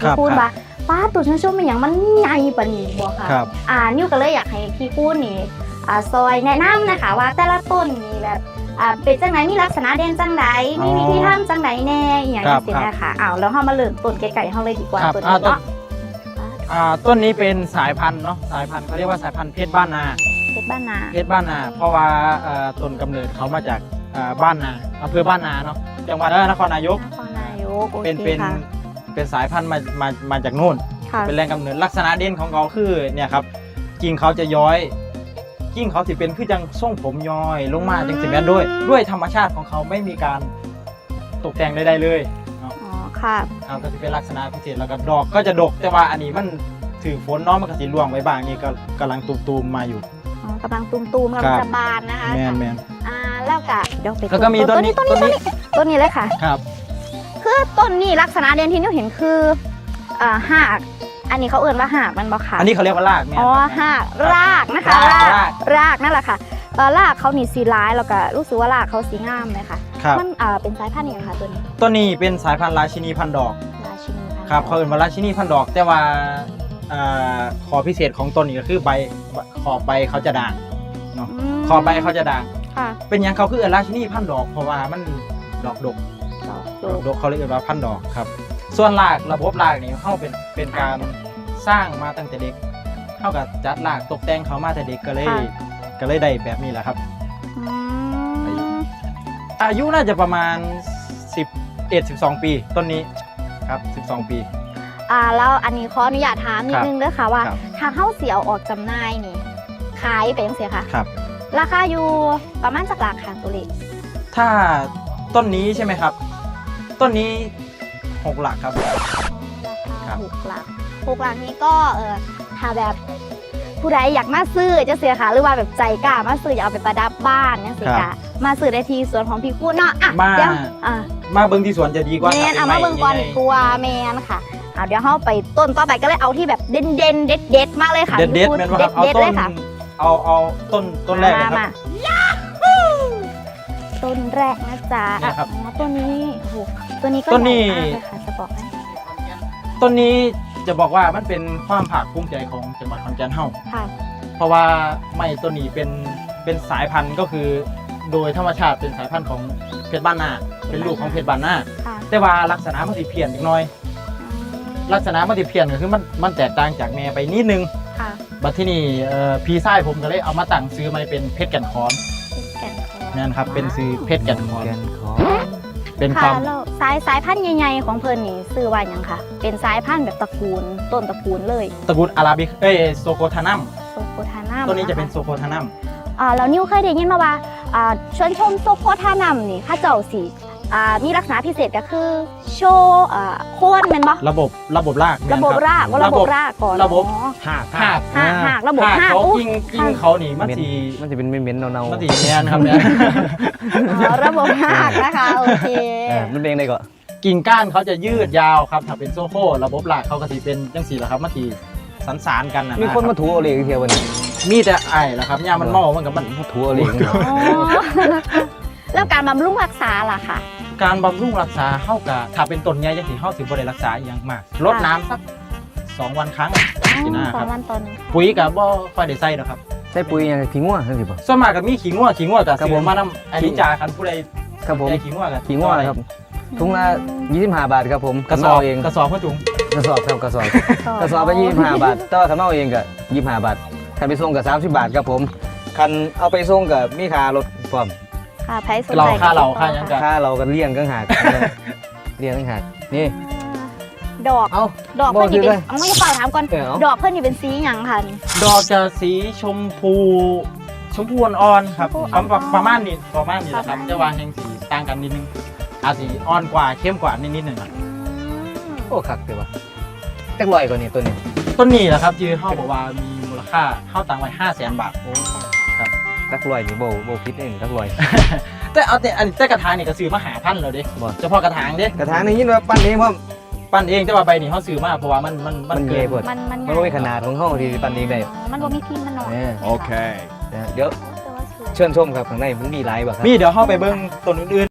พี่คูณว่าป้าตัวชมๆมันอย่างมันใหญ่ปานนี้บ่ค่ะนิวก็เลยอยากให้พี่คูณนี่ซอยแนะนำนะคะว่าแต่ละต้นนี่แบบเป็นจังไหนมีลักษณะเด่นจังไหนมีวิธีทำจังไหนแน่อย่างนี้สินะคะแล้วเรามาเริ่มต้นไก่ๆเราเลยดีกว่าต้นนี้เนาะต้นนี้เป็นสายพันธุ์เนาะสายพันธุ์เขาเรียกว่าสายพันธุ์เพชรบ้านนาเพชรบ้านนาเพราะว่าต้นกำเนิดเขามาจากบ้านนาอำเภอบ้านนาเนาะจังหวัดนครนายกเป็นสายพันธุ์มาจากโน่นเป็นแรงกำเนิดลักษณะเด่นของเขาคือเนี่ยครับกิ่งเขาจะย้อยกิ่งเขาสิเป็นคือจังส่งผมย้อยลงมาจังสิแม่นด้วยธรรมชาติของเขาไม่มีการตกแต่งใดๆเลยค่ะก็จะเป็นลักษณะพิเศษแล้วก็ดอกก็จะดกแต่ว่าอันนี้มันถือฝนน้องมันก็สิร่วงไว้บ้างนี่ก็กำลังตูมมาอยู่กำลังตูมกำลังจะบานนะคะแมนแล้วก็เดี๋ยวไปแล้วก็มีต้นนี้เลยค่ะครับคือต้นนี้ลักษณะเด่นที่นิวเห็นคือหากอันนี้เขาเอ่ยว่าหากมันบอกค่ะอันนี้เขาเรียกว่ารากหากรากนะคะรากนั่นแหละค่ะรากเขานี่สีร้ายแล้วก็รู้สึกว่ารากเขาสีงามเลยค่ะมันเป็นสายพันธุ์ยังไงคะตัวนี้เป็นสายพันธุ์ราชินีพันดอกครับเขาเอ่ยว่าราชินีพันดอกแต่ว่าขอพิเศษของต้นนี้ก็คือขอบใบเขาจะด่างเนาะขอบใบเขาจะด่างเป็นอย่างเขาคือราชินีพันดอกเพราะว่ามันดอกดกเขาเรียกว่าพันดอกครับส่วนรากระบบรากนี่เขาเป็นการสร้างมาตั้งแต่เด็กเท่ากับจัดรากตกแต่งเขามาแต่เด็กก็เลยได้แบบนี้แหละครับอายุน่าจะประมาณ11-12 ปีต้นนี้ครับ12 ปีแล้วอันนี้ขออนุญาตถามนิดนึงด้วยค่ะว่าทางเข้าเสียออกจำหน่ายนี่ขายเป็นยังไงคะครับราคาอยู่ประมาณจากราคาตัวเลขถ้าต้นนี้ใช่ไหมครับต้นนี้6 หลักครับ 6 หลักนี้ก็ถ้าแบบผู้ใดอยากมาซื้อจะเสียค่ะหรือว่าแบบใจกล้ามาซื้ออยากเอาไปประดับบ้านเนี่ยสิค่ะมาซื้อได้ที่สวนของพี่คูณเนาะมาเบิ้งที่สวนจะดีกว่าแมนมาเบิ้งก่อนกลัวแมนค่ะเดี๋ยวเข้าไปต้นต่อไปก็เลยเอาที่แบบเด่นเด็ดมากเลยค่ะเด็ดแมนว่าเอาต้นเอาต้นแรกนะครับต้นแรกนะจ๊ะต้นนี้ตัวนี้ก็ต้นนี้ค่ะจะบอกให้ต้นนี้จะบอกว่ามันเป็นความภาคภูมิใจของจังหวัดขอนแก่นเฮาเพราะว่าไม้ต้นนี้เป็นสายพันธุ์ก็คือโดยธรรมชาติเป็นสายพันธุ์ของเพชรบ้านนาเป็นลูกของเพชรบ้านนาแต่ว่าลักษณะมันสิเพี้ยนอีกหน่อยลักษณะมันสิเพี้ยนก็คือมันแตกต่างจากแม่ไปนิดนึงบัดที่นี่พี่ชายผมก็เลยเอามาตั้งซื้อมาเป็นเพชรแก่นคอนนั่นครับเป็นซื้อเพชรแก่นคอนเป็นความสายพันธุ์ใหญ่ๆของเพิ่นนี่ซื้อว่าอย่างค่ะเป็นสายพันธุ์แบบตระกูลต้นตระกูลเลยตระกูลอาราบิกโซโคทานัมตัวนี้จะเป็นโซโคทานัมแล้วนิวเคยได้ยินมาว่าชวนชมโซโคทานัมนี่ข้าเจ้าสีมีลักษณะพิเศษก็คือโชว์โค่นเป็นปะระบบรากก่อนระบบหากระบบระบบเขากิ้งเขานี่มันจะเป็นเม้นๆเนามันสีแมนครับเนี่ยระบบหากนะคะโอเคมันเป็นไงก่อนกิ่งก้านเขาจะยืดยาวครับถ้าเป็นโซโค่ระบบรากเขาก็สีเป็นจังสีแหละครับมันสีสานกันนะมีคนมาถูเอาเลยเทียววันนี้มีแต่ไอ้แหละครับย่ามันเมามันกับมันถูเอาเลยแล้วการบำรุงรักษาล่ะค่ะการบำรุงรักษาเข้ากับถ้าเป็นต้นใหญ่จะถือเข้าถึงบริรักษาอย่างมากลดน้ำสัก2 วันครั้งปีหน้าครับปุ๋ยกับบ่ค่อยได้ใส่หรอกครับใส่ปุ๋ยอย่างขี้งัวใช่ไหมส่วนมากกับมีขี้งัวกับเสือมานำอันนี้จ่าคันผู้ใดครับผมขี้งัวครับถุงละ25 บาทครับผมกระสอบเองกระสอบเพื่อถุงกระสอบครับกระสอบไป25 บาทแต่ว่าถ้าเอาเองก็25 บาทถ้าไปส่งก็30 บาทครับผมคันเอาไปส่งก็มีค่ารถพร้อมค่ายังกันค่าเรากันเลี้ยงกันหากนี่ดอกเพื่อนนี่เป็นไม่ใช่ถามก่อนดอกเพื่อนนี่เป็นสีอย่างค่ะดอกจะสีชมพูอ่อนๆครับประมาณนี้แหละครับจะวางแห่งสีต่างกันนิดนึงอาสีอ่อนกว่าเข้มกว่านิดหนึ่งโอ้คักเลยวะจักลอยกว่านี้ต้นนี้แหละครับยืนเข้าบอกว่ามีมูลค่าเข้าตังไว้500,000 บาทครับจักลอยนี่โบคิดเองจักลอยแต่เอาแต่กระถางนี่ก็ซื้อมาหาพันแล้วดิเฉพาะกระถางกระถางนี่ยินว่าปั้นเองว่าปั้นเองแต่ว่าใบนี่เขาซื้อมาเพราะว่ามันเกินมันไม่ขนาดของห้องที่ปั้นเองได้มันบ่มีพิมพ์มันหน่อยโอเคเดี๋ยวเชิญชมครับข้างในมันมีหลายแบบมีเดี๋ยวเข้าไปเบิ้งต้นอื่น